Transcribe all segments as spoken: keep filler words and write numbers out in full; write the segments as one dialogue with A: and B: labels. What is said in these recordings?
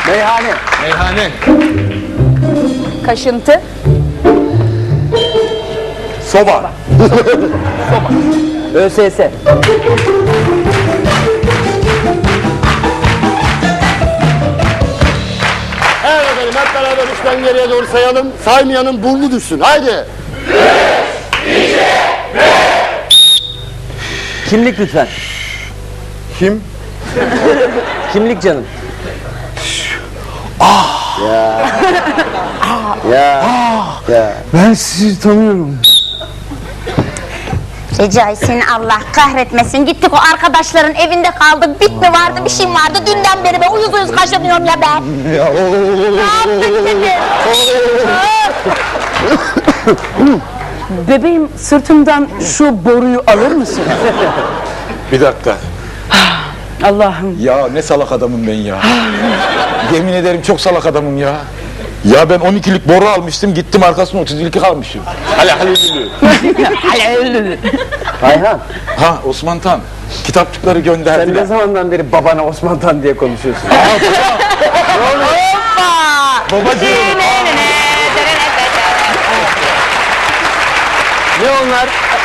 A: Meyhane.
B: Meyhane.
C: Kaşıntı.
B: Soba.
A: ÖSS.
D: Evet efendim, hep beraber üçten geriye doğru sayalım. Saymayanın burnu düşsün. Haydi.
A: Kimlik lütfen.
D: Kim?
A: Kimlik canım. Ya. Ya. Ya.
D: Ben sizi tanıyorum.
E: Recai seni Allah kahretmesin. Gittik o arkadaşların evinde kaldık. Bit mi vardı, bir şey mi vardı? Dünden beri ben uyuz uyuz kaşınıyorum ya ben.
D: Ya,
E: Ne yaptık dedi?
C: Bebeğim, sırtımdan şu boruyu alır mısın?
B: Bir dakika.
C: Allah'ım.
B: Ya ne salak adamım ben ya. Yemin ederim çok salak adamım ya. Ya ben on ikilik boru almıştım, gittim arkasına otuz iki kalmışım. Hala halilülü.
A: Ayhan,
B: Ha Osman Tan, kitapçıkları
A: sen
B: gönderdiler.
A: ne zamandan beri babana Osman Tan diye konuşuyorsun?
B: Babacığım.
A: Ne onlar?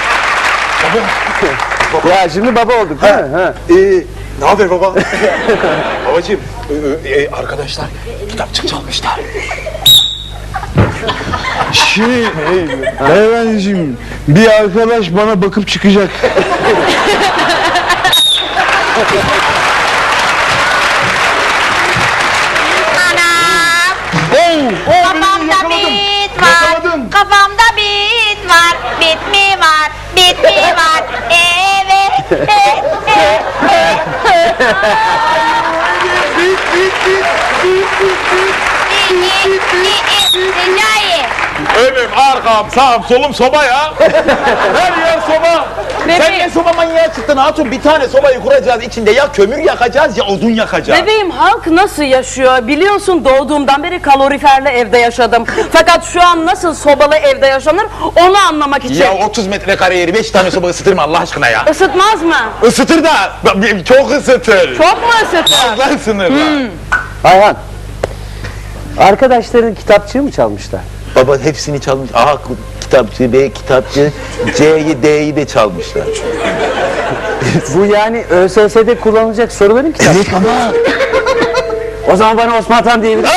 A: Ya şimdi baba olduk değil mi? Ha.
B: Ee, ne haber baba? Babacığım, e, e, arkadaşlar kitapçık çalmışlar.
D: Şey, beyefendiciğim, bir arkadaş bana bakıp çıkacak.
E: Anam. Kafamda bit var. Kafamda bit var. Bit mi var? Bit mi var? Evet. Recai.
B: Önüm, arkam, sağım, solum soba ya. Her yer soba. Sen ne soba manyağı çıktın hatun? Bir tane sobayı kuracağız, içinde ya kömür yakacağız ya odun yakacağız.
C: Bebeğim, halk nasıl yaşıyor? Biliyorsun, doğduğumdan beri kaloriferli evde yaşadım. Fakat şu an nasıl sobalı evde yaşanır onu anlamak için.
B: Ya otuz metrekare yeri beş tane soba ısıtır mı Allah aşkına ya?
C: Isıtmaz mı?
B: Isıtır da çok ısıtır.
C: Çok mu ısıtır?
B: Fazla sınırlar.
A: Ayhan, arkadaşların kitapçığı mı çalmışlar?
B: Baba hepsini çalmış. A kitapçı, B kitapçı, C'yi, D'yi de çalmışlar.
A: Bu yani ÖSS'de kullanılacak soruların kitabı.
B: Evet ama.
A: O zaman bana Osman Tan diyebilir.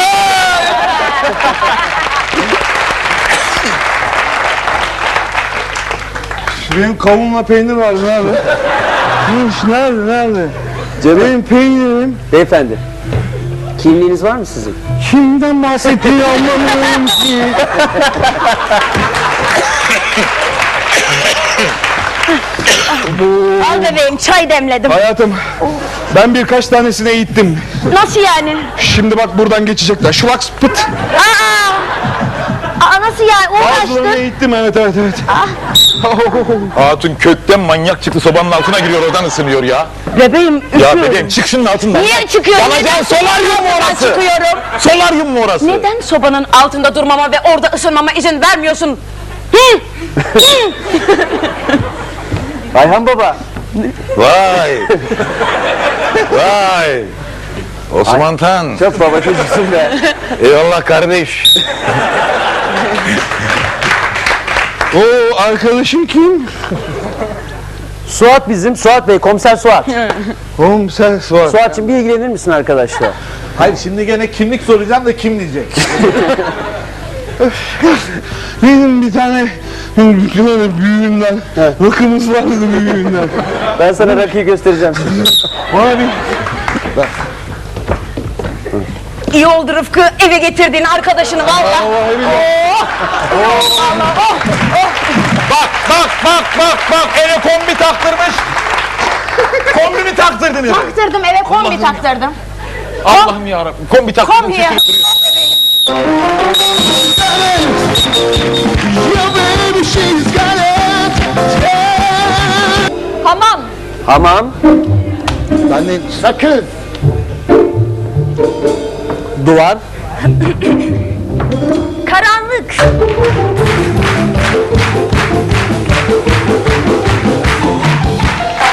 D: Benim kavunla peynir var, nerede? Nerede, nerede?
A: Canım.
D: Benim peynirim.
A: Beyefendi, kimliğiniz var mı sizin?
D: Kimden bahsettiğini anlamıyorum ki.
E: Al bebeğim, çay demledim.
D: Hayatım, ben birkaç tanesini eğittim.
E: Nasıl yani?
D: Şimdi bak buradan geçecekler. Şulaks pıt.
E: Aa! Aa nasıl yani?
D: Bazılarını
E: Uğraştın.
D: eğittim, evet evet evet.
B: Hatun kökten manyak çıktı, sobanın altına giriyor, oradan ısınıyor ya.
C: Bebeğim,
B: Ya
C: üşüyorum.
B: bebeğim çık şunun altından.
E: Niye çıkıyorum?
B: Yanacaksın, solaryum mu orası?
C: Çıkıyorum.
B: Solaryum mu orası?
C: Neden sobanın altında durmama ve orada ısınmama izin vermiyorsun? Hı?
A: Ayhan baba,
B: Vay. Vay. Osman Tan.
A: çok baba çocuksun be.
B: Eyvallah kardeş.
D: O arkadaşım kim?
A: Suat bizim, Suat Bey, komiser Suat.
D: Oğlum sen sor.
A: Suat'cığım bir ilgilenir misin arkadaşlar?
F: Hayır şimdi gene kimlik soracağım da kim diyecek?
D: Benim bir tane böyle büyüğümden, rakımız vardı büyüğümden.
A: Ben sana rakıyı göstereceğim.
D: Bana bir
C: İyi oldu Rıfkı, eve getirdiğin arkadaşını valla.
D: vallahi billahi.
B: Bak bak bak bak bak eve kombi taktırmış. Kombi mi taktırdın eve?
E: Taktırdım eve kombi taktırdım.
B: Allah'ım yarabbim kombi taktırdın.
C: Kombi ya.
E: Hamam.
A: Hamam,
D: Ben de sakın.
A: duvar,
E: Karanlık.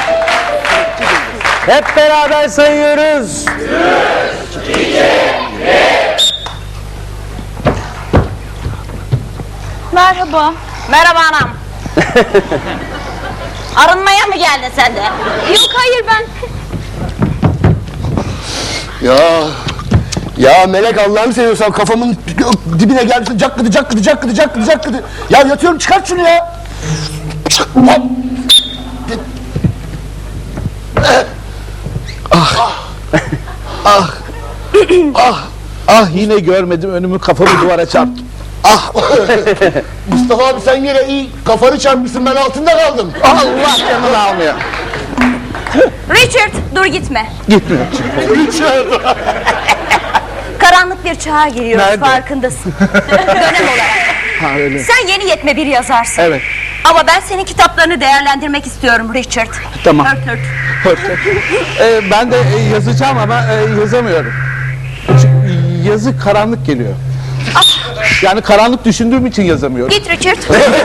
A: hep beraber sayıyoruz.
E: Üç, iki, Merhaba. Merhaba anam. Arınmaya mı geldin sen de? Yok hayır ben.
D: Ya ya Melek Allah'ını seviyorsan kafamın dibine gelmişsin cakkıdı cakkıdı cakkıdı cakkıdı cakkıdı. Ya yatıyorum çıkart şunu ya.
F: Ah. ah. Ah yine görmedim önümü kafamı duvara çarptım. Ah.
D: Mustafa abi sen yine iyi kafanı çarpmışsın ben altında kaldım.
F: Allah canını almıyor.
E: Richard dur gitme.
F: Gitmiyor.
E: Karanlık bir çağa giriyoruz
F: Nerede?
E: farkındasın. Dönem olarak.
F: Ha öyle.
E: Sen yeni yetme bir yazarsın.
F: Evet.
E: Ama ben senin kitaplarını değerlendirmek istiyorum Richard.
F: Tamam.
E: Hört hört.
F: Ee, ben de e, yazacağım ama e, yazamıyorum. Çünkü yazı karanlık geliyor. Yani karanlık düşündüğüm için yazamıyorum.
E: Git Richard.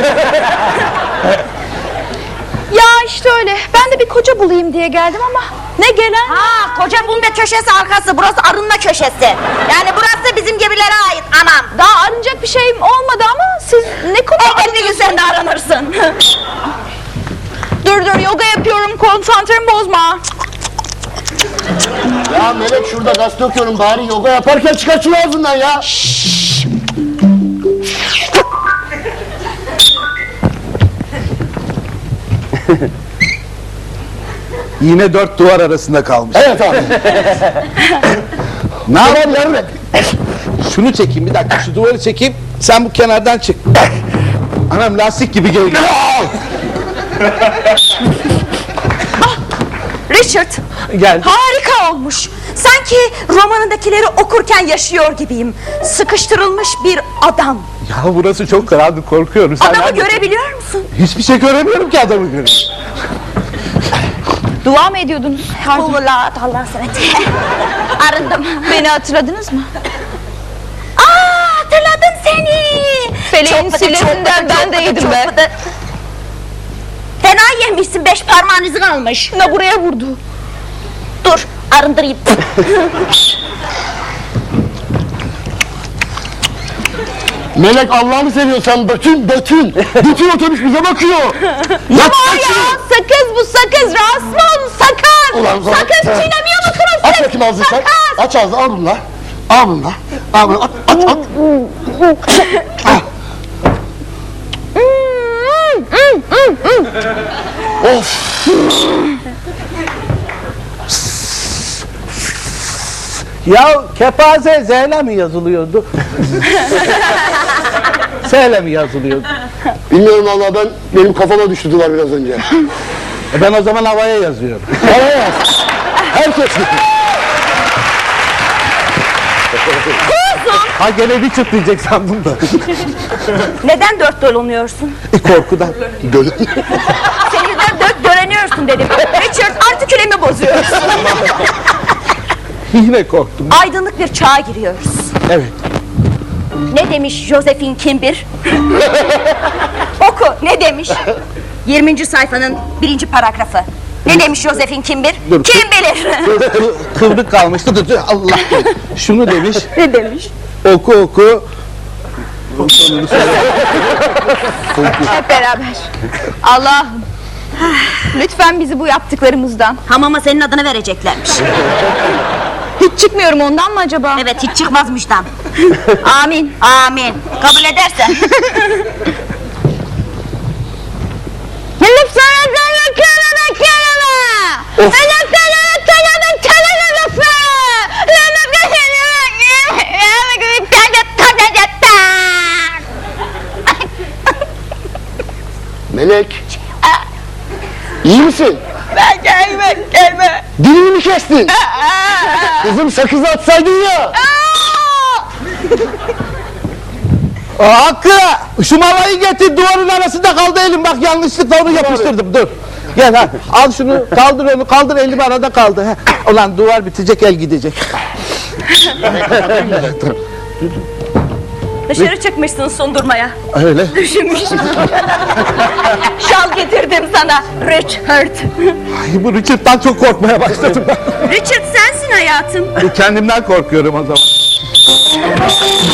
E: Ya işte öyle. Ben de bir koca bulayım diye geldim ama ne gelen? Ha koca bulma köşesi arkası. Burası arınma köşesi. Yani burası bizim gibilere ait anam. Daha arınacak bir şeyim olmadı ama siz ne konu arınıyorsunuz? Sen de arınırsın. Dur dur yoga yapıyorum. Konsantremi bozma.
D: Ya Melek şurada gazete okuyorum bari yoga yaparken çıkar şunu ağzından ya.
F: Yine dört duvar arasında kalmış.
D: Evet abi.
F: Ne yapayım yarın? Şunu çekeyim bir dakika şu duvarı çekeyim. Sen bu kenardan çık. Anam lastik gibi geliyor.
E: Richard.
F: Gel.
E: Harika olmuş. Sanki romanındakileri okurken yaşıyor gibiyim. Sıkıştırılmış bir adam.
F: Ya burası çok karanlık korkuyorum. Sen
E: Adamı
F: neredesin?
E: görebiliyor musun?
F: Hiçbir şey göremiyorum ki adamı görüyorum.
E: Dua mı ediyordunuz? Allah Allah senet. Arındım. Beni hatırladınız mı? Aa hatırladım seni. Feleğin sillesinden ben de yedim be. Fena yemişsin beş parmağın izi kalmış. Ne buraya vurdu? Dur arındırayım.
D: Melek Allah'ını seviyorsan bütün bütün bütün otobüs bize bakıyor.
E: Ne var ya? Sakız bu sakız. Rahatsız mı oldun? Sakız.
D: Ulan sana-
E: Sakız çiğnemiyor musunuz siz?
D: Aç bakayım ağzını sen.
E: Sakız.
D: Aç ağzını al bunu lan. Al bunu lan. Al bunu at at at. Of.
F: Ya kepaze Z ile mi yazılıyordu? S ile mi yazılıyordu?
D: Bilmiyorum valla ben benim kafama düştü duvar biraz önce.
F: E ben o zaman havaya yazıyorum.
D: Havaya yaz. Herkes gibi.
F: Ha gene bir çıt diyecek sandım da.
E: Neden dört dolunuyorsun?
F: Korkudan.
D: Böyle.
E: Senin yüzünden dört döleniyorsun dedim. Richard artikülemi bozuyorsun.
F: Yine korktum.
E: Aydınlık bir çağa giriyoruz.
F: Evet.
E: Ne demiş Josephine Kimbir? Oku ne demiş? yirminci sayfanın birinci paragrafı. Ne demiş Josephine Kimbir?
F: Dur,
E: Kim bilir?
F: Kı- Kıvrık kalmıştı. Dur, dur, Allah bilir. Şunu demiş.
E: Ne demiş?
F: Oku oku.
G: Hep beraber. Allah'ım. Lütfen bizi bu yaptıklarımızdan.
E: Hamama senin adını vereceklermiş.
G: Hiç çıkmıyorum ondan mı acaba?
E: Evet hiç çıkmazmıştan.
G: Amin.
E: Amin. Kabul edersen.
G: Lütfen kelime kelime kelime. Lütfen kelime kelime lütfen.
D: Melek. İyi misin?
G: Ben gelme gelme.
D: Dilini mi kestin? Kızım sakızı atsaydın ya.
F: Aa, Hakkı! Şu malayı getir duvarın arasında kaldı elim bak yanlışlıkla onu yapıştırdım dur. Gel ha al şunu kaldır onu kaldır elim arada kaldı. Heh. Ulan duvar bitecek el gidecek.
E: Dışarı çıkmışsın sundurmaya.
F: Öyle.
E: Düşünmüş. Şal getirdim sana. Richard.
F: Ay, bu Richard'dan çok korkmaya başladım ben.
E: Richard sensin hayatım.
F: Kendimden korkuyorum o zaman.